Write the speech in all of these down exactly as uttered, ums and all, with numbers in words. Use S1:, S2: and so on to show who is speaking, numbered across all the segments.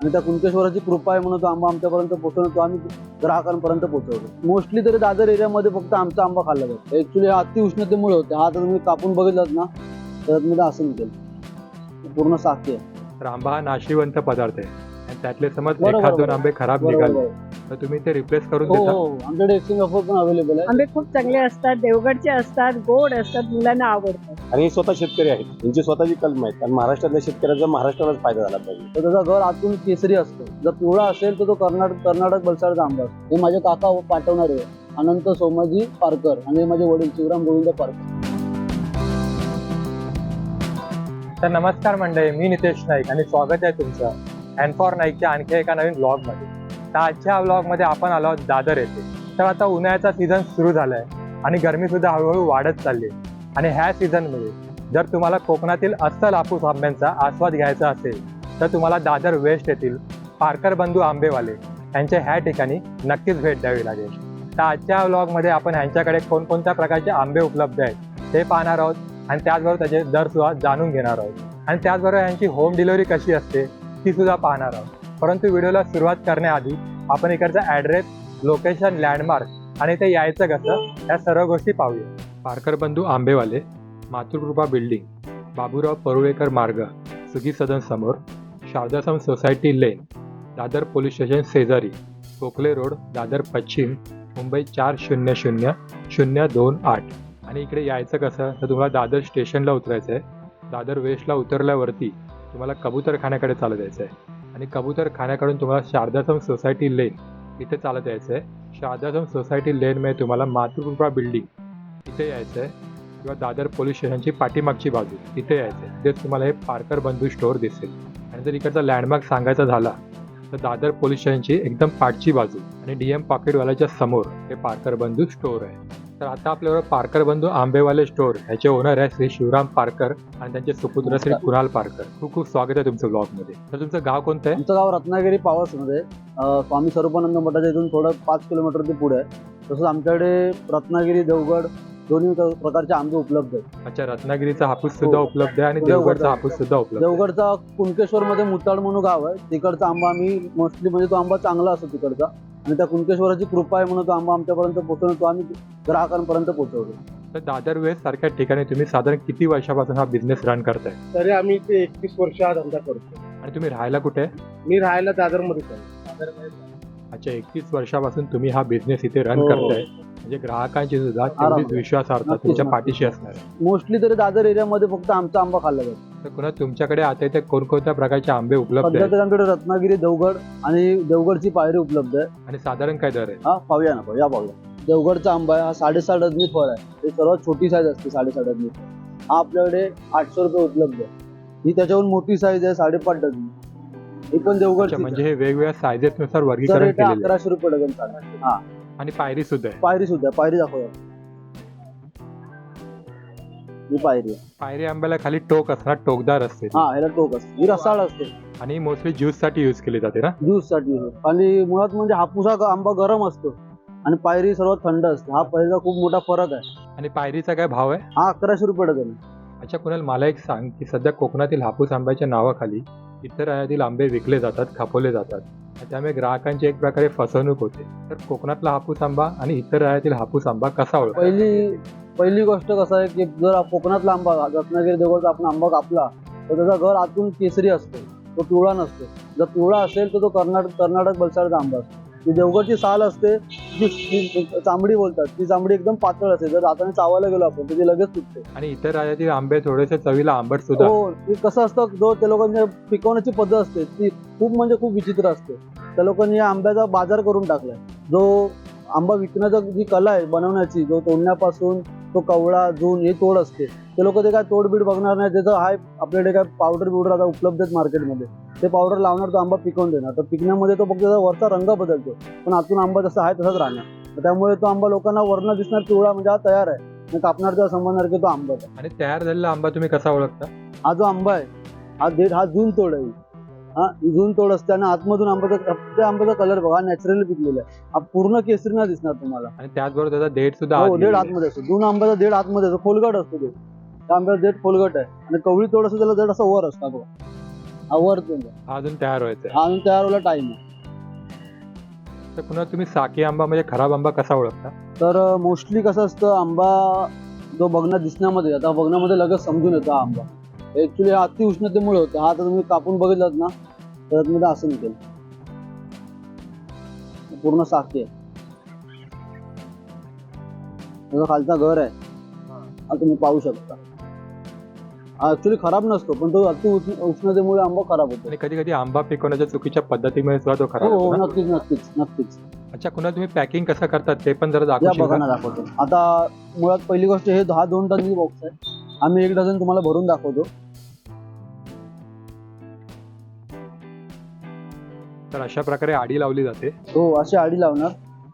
S1: आणि त्या कुणकेश्वराची कृपा आहे म्हणून तो आंबा आमच्यापर्यंत पोहोचवतो, आम्ही ग्राहकांपर्यंत पोहोचवतो. मोस्टली तरी दादर एरियामध्ये फक्त आमचा आंबा खाल्ला जातो. ऍक्च्युली हा अति उष्णतेमुळे होते. हा जर तुम्ही कापून बघितलात ना तर मी असं निघेल पूर्ण साखी आहे.
S2: तर आंबा हा नाशिवंत पदार्थ आहे आणि त्यातले समज
S1: बरोबर,
S2: एखाद दोन
S1: बरोबर.
S2: आंबे खराब
S1: बरोबर,
S2: निघाले
S1: बरोबर.
S2: तर तुम्ही ते रिप्लेस करून
S1: हो
S2: देता.
S1: हो आमच्याकडे एक्सचेंज ऑफर पण अवेलेबल आहे.
S3: आंबे खूप चांगले असतात, देवगडचे असतात, गोड असतात, मुलांना आवडतात.
S4: आणि हे स्वतः शेतकरी आहेत, त्यांची स्वतःची कलम आहेत आणि महाराष्ट्रातल्या शेतकऱ्यांचा महाराष्ट्रालाच फायदा झाला पाहिजे.
S1: तर त्याचा घर आतून केसरी असतो. जर पिवळा असेल तर तो कर्नाटक कर्नाटक बलसाडचा आंबा असतो. हे माझे काका पाठवणार आहे अनंत सोमाजी पारकर आणि हे माझे वडील शिवराम गोविंद पारकर.
S2: तर नमस्कार मंडळी, मी नितेश नाईक आणि स्वागत आहे तुमचं अँड फॉर नाईकच्या आणखी एका नवीन ब्लॉगमध्ये. तर आजच्या ब्लॉगमध्ये आपण आलो आहोत दादर येथे. तर आता उन्हाळ्याचा सीझन सुरू झाला आहे आणि गरमीसुद्धा हळूहळू वाढत चालली आहे. आणि ह्या सीझनमध्ये जर तुम्हाला कोकणातील अस्सल हापूस आंब्यांचा आस्वाद घ्यायचा असेल तर तुम्हाला दादर वेस्ट येथील पारकर बंधू आंबेवाले यांच्या ह्या ठिकाणी नक्कीच भेट द्यावी लागेल. तर आजच्या ब्लॉगमध्ये आपण ह्यांच्याकडे कोणकोणत्या प्रकारचे आंबे उपलब्ध आहेत ते पाहणार आहोत आणि त्याचबरोबर त्याचे दरसुद्धा जाणून घेणार आहोत आणि त्याचबरोबर यांची होम डिलिव्हरी कशी असते ती सुद्धा पाहणार आहोत. परंतु व्हिडिओला सुरुवात करण्याआधी आपण इकडचा ॲड्रेस, लोकेशन, लँडमार्क आणि ते यायचं कसं या सर्व गोष्टी पाहूया. पारकर बंधू आंबेवाले, मातृकृपा बिल्डिंग, बाबूराव परुळेकर मार्ग, सुगी सदन समोर, शारदासम society lane, Dadar police station शेजारी, कोकले रोड, दादर पश्चिम, मुंबई चार शून्य शून्य शून्य दोन आठ. आणि इकडे यायचं कसं तर तुम्हाला दादर स्टेशनला उतरायचं आहे. दादर वेस्टला उतरल्यावरती तुम्हाला कबूतरखान्याकडे चालत यायचं आहे आणि कबूतरखान्याकडून तुम्हाला शारदासम सोसायटी लेन इथे चालत यायचं आहे. शारदासम सोसायटी लेनमध्ये तुम्हाला मातृकृपा बिल्डिंग इथे यायचं आहे किंवा दादर पोलीस स्टेशनची पाठीमागची बाजू इथे यायचं आहे. तिथेच तुम्हाला हे पारकर बंधू स्टोअर दिसेल. आणि जर इकडचा लँडमार्क सांगायचा झाला तर दादर पोलीस स्टेशनची एकदम पाठची बाजू आणि डी एम पॉकेटवाल्याच्या समोर हे पारकर बंधू स्टोअर आहे. तर आता आपल्याबरोबर पारकर बंधू आंबेवाले स्टोअर ह्याचे ओनर आहे श्री शिवराम पारकर आणि त्यांचे सुपुत्र श्री कुणाल पारकर. खूप खूप स्वागत आहे तुमचं ब्लॉगमध्ये. तर तुमचं गाव कोणतं आहे?
S1: आमचं गाव रत्नागिरी पावसमध्ये, स्वामी स्वरूपानंद मठाच्या इथून थोडं पाच किलोमीटर ते पुढे आहे. तसंच आमच्याकडे रत्नागिरी, देवगड दोन्ही प्रकारचे आंबे उपलब्ध आहेत.
S2: अच्छा, रत्नागिरीचा हापूस सुद्धा
S1: हो.
S2: उपलब्ध आहे आणि
S1: देवगडचा
S2: देवगडचा हापूस सुद्धा उपलब्ध आहे.
S1: देवगडचा कुणकेश्वर मध्ये मुताड म्हणून गाव आहे. तिकडचा आंबा आम्ही मोस्टली म्हणजे तो आंबा चांगला असतो तिकडचा आणि त्या कुणकेश्वराची कृपा आहे म्हणून तो आंबा आमच्यापर्यंत पोहोचवतो, आम्ही ग्राहकांपर्यंत पोहोचवतो.
S2: तर दादर वेस्ट सारख्या ठिकाणी तुम्ही साधारण किती वर्षापासून हा बिझनेस रन करताय
S5: तरी आम्ही ते एकतीस वर्ष हा धंदा करतो.
S2: आणि तुम्ही राहायला कुठे आहे?
S5: मी राहायला दादरमध्येच आहे. दादर
S2: अच्छा, एकतीस वर्षापासून तुम्ही हा बिझनेस इथे रन
S1: हो.
S2: करताय म्हणजे ग्राहकांची सुद्धा तेवढीच
S1: आरामात.
S2: विश्वासार्हता
S1: नक्कीच,
S2: तुमच्या
S1: नक्कीच.
S2: पाठीशी असणार आहे.
S1: मोस्टली तरी दादर एरियामध्ये फक्त आमचा आंबा खाल्ला जातो.
S2: तर पुन्हा तुमच्याकडे आता इथे कोणकोणत्या प्रकारचे आंबे उपलब्ध
S1: सध्या
S2: आहेत
S1: तरी आमच्याकडे रत्नागिरी, देवगड आणि देवगडची पायरी उपलब्ध आहे.
S2: आणि साधारण काय दर आहे?
S1: हा पाहूया ना, पाहूया पाहूया. देवगडचा आंबा आहे, हा साडेसात डझनी फळ आहे. हे सर्वात छोटी साईज असते साडेसात डझनी फळ. हा आपल्याकडे आठशे रुपये उपलब्ध आहे. ही त्याच्याहून मोठी साईज आहे साडेपाच डझनी. ही पण
S2: अच्छा,
S1: देवगडची
S2: म्हणजे हे वेगवेगळ्या सायझेस नुसार
S1: सर
S2: वर्गीकरण
S1: रेट
S2: केलेलं आहे
S1: अकराशे रुपये डझन चालेल. हा
S2: आणि पायरी सुद्धा आहे.
S1: पायरी सुद्धा आहे. पायरी दाखवूया. ही पायरी आहे.
S2: पायरी आंब्याला खाली टोक असणार, टोकदार असते ती.
S1: हा ह्याला टोक असते, ही रसाळ असते,
S2: आणि मोस्टली ज्यूस साठी युज केली जाते ना.
S1: ज्यूस साठी. आणि मुळात म्हणजे हापूस हा आंबा गरम असतो आणि पायरी सर्वात थंड असते. हा पायरीचा खूप मोठा फरक आहे.
S2: आणि पायरीचा काय भाव आहे?
S1: हा अकराशे रुपये डझन आहे.
S2: अच्छा कुणाल, मला एक सांग की सध्या कोकणातील हापूस आंब्याच्या नावाखाली इतर राज्यातील आंबे विकले जातात, खपवले जातात. त्यामुळे ग्राहकांची एक प्रकारे फसवणूक होते. तर कोकणातला हापूस आंबा आणि इतर राज्यातील हापूस आंबा कसा ओळखा?
S1: पहिली पहिली गोष्ट कसं आहे की जर कोकणातला आंबा, रत्नागिरी, देवगडचा आपण आंबा कापला तर त्याचा घर आतून केसरी असतो, तो पिवळा नसतो. जर पिवळा असेल तर तो कर्नाटक कर्नाटक बलसाडचा आंबा असतो. जी देवगडची साल असते, जी जी चांबडी बोलतात, ती चांबडी एकदम पातळ असते. जर हाताने चावायला गेलो आपण तर ती लगेच तुटते.
S2: आणि इतर राज्यातील आंबे थोडेसे चवीला आंबट सुद्धा.
S1: हो, ते कसं असतं, जो त्या लोकांची पिकवण्याची पद्धत असते ती खूप म्हणजे खूप विचित्र असते. त्या लोकांनी या आंब्याचा बाजार करून टाकलाय. जो आंबा विकण्याचा जी कला आहे बनवण्याची, जो तोडण्यापासून तो कवळा जून हे तोड असते, ते लोक ते काय तोडबीड बघणार नाही. त्याचं हाय आपल्याकडे काय पावडर बिवडर आता उपलब्ध आहेत मार्केटमध्ये, ते पावडर लावणार, तो आंबा पिकवून देणार. तर पिकण्यामध्ये तो फक्त त्याचा वरचा रंग बदलतो पण आतून आंबा जसा आहे तसाच राहणार. त्यामुळे तो आंबा लोकांना वर्ण दिसणार पिवळा म्हणजे हा तयार आहे, आणि कापणारचा समजणार की तो आंबा आहे.
S2: आणि तयार झालेला आंबा तुम्ही कसा ओळखता?
S1: हा जो आंबा आहे हा देठ, हा जून तोड आहे. हा ही जून तोड असते आणि आतमधून आंब्याचा त्या आंब्याचा कलर बघा, नॅचरली पिकलेला आहे. हा पूर्ण केसरी नाही दिसणार तुम्हाला.
S2: आणि त्याचबरोबर त्याचा देठ सुद्धा
S1: हो,
S2: आत
S1: देठ
S2: गेलेला आहे.
S1: आतमध्ये असतो. जून आंब्याचा देठ आतमध्ये असतो, खोलगट असतो. देठ त्या आंब्याचा देठ खोलगट आहे आणि कवळी तोड असतो, त्याला देठ असा वर असतो बघा. आवडतो
S2: हा अजून तयार व्हायचा आहे.
S1: हा अजून तयार व्हायला टाइम आहे.
S2: तर पुन्हा तुम्ही साकी आंबा म्हणजे खराब आंबा कसा ओळखता?
S1: तर मोस्टली कसं असतं, आंबा जो बघण्यात दिसण्यामध्ये, आता बघण्यामध्ये लगेच समजून येतो हा आंबा. ऍक्च्युली हा अति उष्णतेमुळे होतं. हा आता तुम्ही कापून बघितलात ना तर मध्ये असं निघेल, पूर्ण साखी आहे. त्याचा खालचा घर आहे, हा तुम्ही पाहू शकता. हा ऍक्च्युली खराब नसतो, पण तो अति उष्ण उष्णतेमुळे आंबा खराब होतो.
S2: आणि कधी कधी आंबा पिकवण्याच्या चुकीच्या पद्धतीमुळे सुद्धा तो खराब
S1: हो हो
S2: होतो ना?
S1: नक्कीच नक्कीच नक्कीच.
S2: अच्छा, कुणा तुम्ही पॅकिंग कसं करतात ते पण जरा
S1: या
S2: दाखवशील
S1: बघा
S2: का?
S1: ना, दाखवतो. आता मुळात पहिली गोष्ट, हे दहा दोन डझनची बॉक्स आहे. आम्ही एक डझन तुम्हाला भरून दाखवतो.
S2: तर अशा प्रकारे आडी लावली जाते.
S1: हो, अशी आडी लावणार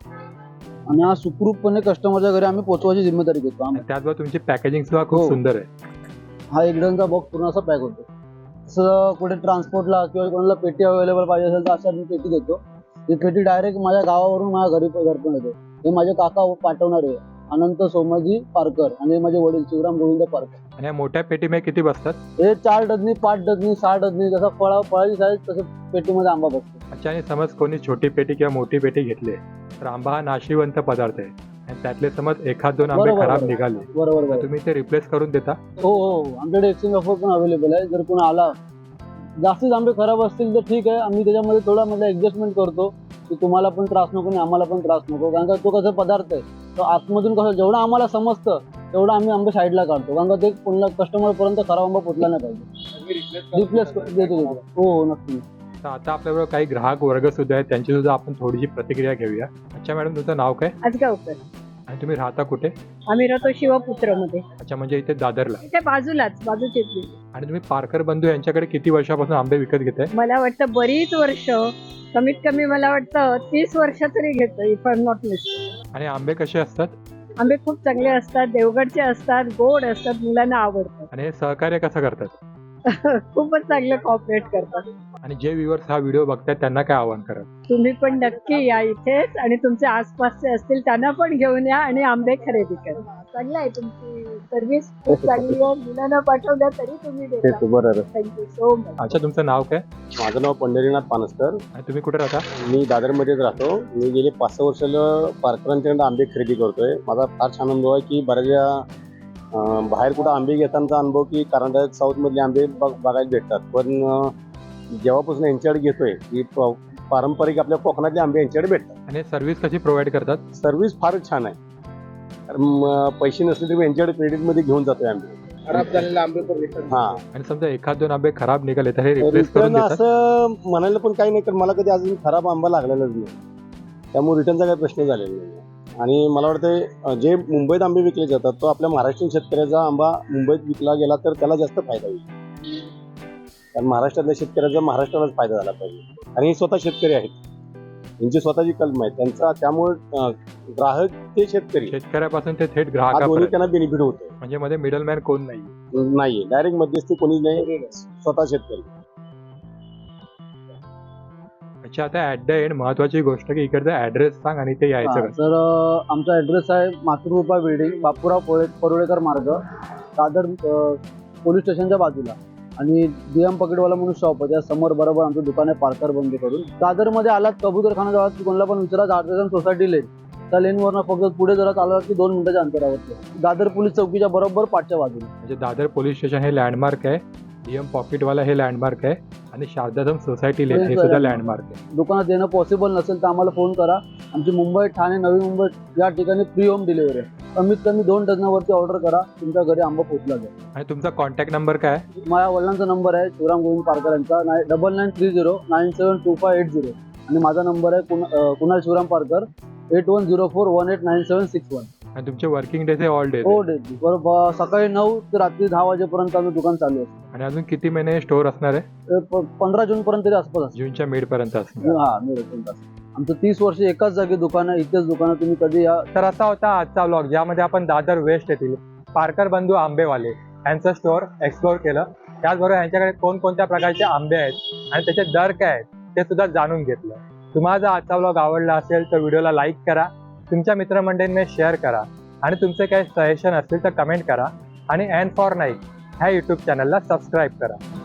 S1: आणि हा सुखरूपपणे कस्टमरच्या घरी आम्ही पोहोचवायची जिम्मेदारी घेतो आम्ही.
S2: आणि त्याचबरोबर तुमची पॅकेजिंग सुद्धा खूप
S1: हो.
S2: सुंदर आहे.
S1: हा एक डझनचा बॉक्स पूर्ण असा पॅक होतो. तसं कुठे ट्रान्सपोर्टला किंवा कोणाला पेटी अवेलेबल पाहिजे असेल तर अशा मी पेटी देतो. ही पेटी डायरेक्ट माझ्या गावावरून माझ्या घरी घरपर्यंत येते. हे माझे काका पाठवणार आहे, अनंत सोमाजी पारकर, आणि हे माझे वडील शिवराम गोविंद पारकर.
S2: आणि या मोठ्या पेटीमध्ये किती बसतात?
S1: हे चार डझनी, पाच डझनी, सहा डझनी, जसं फळा फळाची साईज तसं पेटीमध्ये आंबा बसतो.
S2: अच्छा, आणि समज कोणी छोटी पेटी किंवा मोठी पेटी घेतली तर आंबा हा नाशिवंत पदार्थ आहे आणि त्यातले समज एखाद दोन आंबे
S1: बरोबर,
S2: खराब
S1: बरोबर.
S2: निघाले
S1: बरोबर
S2: तर
S1: बरोबर.
S2: तुम्ही ते रिप्लेस करून देता?
S1: हो हो, आमच्याकडे एक्सचेंज ऑफर पण अवेलेबल आहे. जर कोणी आला, जास्तीच आंबे खराब असतील तर ठीक आहे, आम्ही त्याच्यामध्ये थोडा म्हणजे ऍडजस्टमेंट करतो की तुम्हाला पण त्रास नको आणि आम्हाला पण त्रास नको. कारण का तो कसा पदार्थ आहे, तो आतमधून कसं जेवढं आम्हाला समजतं तेवढं आम्ही आंबे साईडला काढतो. कारण का ते पुन्हा कस्टमर पर्यंत खराब आंबा पोचला नाही पाहिजे. रिप्लेस देतो देतो. हो हो नक्की.
S2: तर आता आपल्याबरोबर काही ग्राहक वर्ग सुद्धा आहेत, त्यांची सुद्धा आपण थोडीशी प्रतिक्रिया घेऊया. अच्छा मॅडम, तुमचं नाव काय
S3: आजगावकर.
S2: आणि तुम्ही राहता कुठे?
S3: आम्ही राहतो शिवपुत्रमध्ये,
S2: अच्छा, म्हणजे इथे दादरला.
S3: इथे बाजूलाच बाजूचीच बिल्डिंग.
S2: आणि तुम्ही पारकर बंधू यांच्याकडे किती वर्षापासून आंबे विकत घेताय?
S3: मला वाटतं बरीच वर्ष, कमीत कमी मला वाटतं तीस वर्ष तरी घेतो, if I am not miss.
S2: आणि आंबे कसे असतात?
S3: आंबे खूप चांगले असतात, देवगडचे असतात, गोड असतात, मुलांना आवडतात.
S2: आणि हे सहकार्य कसं करतात?
S3: खूपच चांगलं कॉपरेट करतात.
S2: आणि जे व्ह्युअर्स हा व्हिडिओ बघतात त्यांना काय आवाहन कराल?
S3: तुम्ही पण नक्की या इथेच, आणि तुमचे आसपासचे असतील त्यांना पण घेऊन या आणि आंबे खरेदी करा. चांगलं आहे, तुमची सर्व्हिस खूप चांगली आहे. मुलांना पाठवल्या तरी तुम्ही देता.
S4: बरोबर.
S3: Thank you so much.
S2: अच्छा, तुमचं नाव काय
S4: माझं नाव पंढरीनाथ पानसकर.
S2: आणि तुम्ही कुठे राहता?
S4: मी दादरमध्येच राहतो. मी गेले पाच सहा वर्षाला पारकरांच्याकडे आंबे खरेदी करतोय. माझा फार छान अनुभव आहे की बऱ्याचदा अं, बाहेर कुठं आंबे घेतानाचा अनुभव की कर्नाटक साऊथ मधले आंबे बघ बघायला भेटतात, पण अं, जेव्हापासून यांच्याकडे घेतोय की प- पारंपरिक आपल्या कोकणातले आंबे यांच्याकडे भेटतात.
S2: आणि सर्व्हिस कशी प्रोव्हाइड करतात?
S4: सर्व्हिस फारच छान आहे. कारण म, पैसे नसले तरी यांच्याकडे क्रेडिटमध्ये घेऊन जातोय आंबे.
S5: खराब झालेले आंबे पण रिटर्न.
S4: हा,
S2: आणि समजा एखाद दोन आंबे खराब निघाले तर हे रिप्लेस करून
S4: रिटर्न
S2: देतात?
S4: असं म्हणायला पण काही नाही, कारण मला कधी अजून खराब आंबा लागलेलाच नाही, त्यामुळे रिटर्नचा काही प्रश्न झालेला नाही. आणि मला वाटतं जे मुंबईत आंबे विकले जातात तो आपल्या महाराष्ट्रीयन शेतकऱ्याचा आंबा मुंबईत विकला गेला तर त्याला जास्त फायदा होईल. कारण महाराष्ट्रातल्या शेतकऱ्याचा महाराष्ट्रालाच फायदा झाला पाहिजे. आणि हे स्वतः शेतकरी आहेत, यांची स्वतःची कलम आहे त्यांचा, त्यामुळे अं, ग्राहक ते शेतकरी
S2: शेतकऱ्यापासून ते थेट
S4: हा दोन्ही
S2: ग्राहकापर्यंत,
S4: त्यांना बेनिफिट होतो.
S2: म्हणजे मध्ये मिडलमॅन कोण नाही.
S4: नाही, डायरेक्ट मध्यस्थी कोणीच नाही, स्वतः शेतकरी.
S2: अच्छा, आता ऍट द एंड महत्वाची गोष्ट की इकडचा ऍड्रेस सांग आणि ते यायचं
S1: हा,
S2: कसं?
S1: तर अं, आमचा ऍड्रेस आहे मातृकृपा बिल्डिंग, बापूराव पोळे परुळेकर मार्ग, दादर अं, पोलीस स्टेशनच्या बाजूला. आणि डीएम पकेटवाला म्हणून शॉप आहे, त्या समोर बरोबर आमचं दुकान आहे पारकर बंद करून. दादरमध्ये आलात कबूतरखाना जवळ की कोणाला पण विचारा, आर्टिझन सोसायटी लेन, त्या लेनवरनं फक्त पुढे जरा चालवत की दोन मिनिटाच्या अंतरावरती आहे. दादर पोलीस चौकीच्या बरोबर पाठच्या बाजूला.
S2: म्हणजे दादर पोलीस स्टेशन हे लँडमार्क आहे, डीएम पॉकेटवाला हे लँडमार्क आहे, आणि शारदाधम सोसायटी लेन हे
S1: Yes,
S2: सुद्धा
S1: sir.
S2: लँडमार्क आहे.
S1: दुकानात येणं पॉसिबल नसेल तर आम्हाला फोन करा. आमची मुंबई, ठाणे, नवी मुंबई या ठिकाणी फ्री होम डिलिव्हरी आहे. कमीत कमी दोन डझनावरती ऑर्डर करा, तुमच्या घरी आंबा पोहोचला जाईल.
S2: आणि तुमचा कॉन्टॅक्ट नंबर काय आहे?
S1: माझ्या वडिलांचा नंबर आहे शिवराम गोविंद पारकर यांचा, nine double nine three zero nine seven two five eight zero. आणि माझा नंबर आहे कुण अं, Kunal Shivram Parkar, eight one zero four one eight nine seven six one.
S2: आणि तुमचे वर्किंग डेज हे ऑल डेज?
S1: हो डे बरोबर, सकाळी नऊ ते रात्री दहा वाजेपर्यंत आम्ही दुकान चालू असतो.
S2: आणि अजून किती महिने स्टोअर असणार आहे?
S1: ते प- पंधरा जून पर्यंत तरी आसपास असतो.
S2: जूनच्या मिड पर्यंत असणार.
S1: हा मी रेस्टॉरंट असतो. आमचं तीस वर्ष एकाच जागी दुकान आहे, इथेच दुकान आहे, तुम्ही कधी या.
S2: तर असा होता आजचा व्लॉग, ज्यामध्ये आपण दादर वेस्ट येथील पारकर बंधू आंबेवाले यांचं स्टोअर एक्सप्लोअर केलं. त्याचबरोबर यांच्याकडे कोणकोणत्या प्रकारचे आंबे आहेत आणि त्याचे दर काय आहेत ते सुद्धा जाणून घेतलं. तुम्हाला जर आजचा व्लॉग आवडला असेल तर व्हिडिओला लाईक करा, तुमच्या मित्रमंडळींनी शेअर करा, आणि तुमचे काही सजेशन असतील तर कमेंट करा, आणि अँड फॉर नाईक ह्या यूट्यूब चॅनलला सबस्क्राईब करा.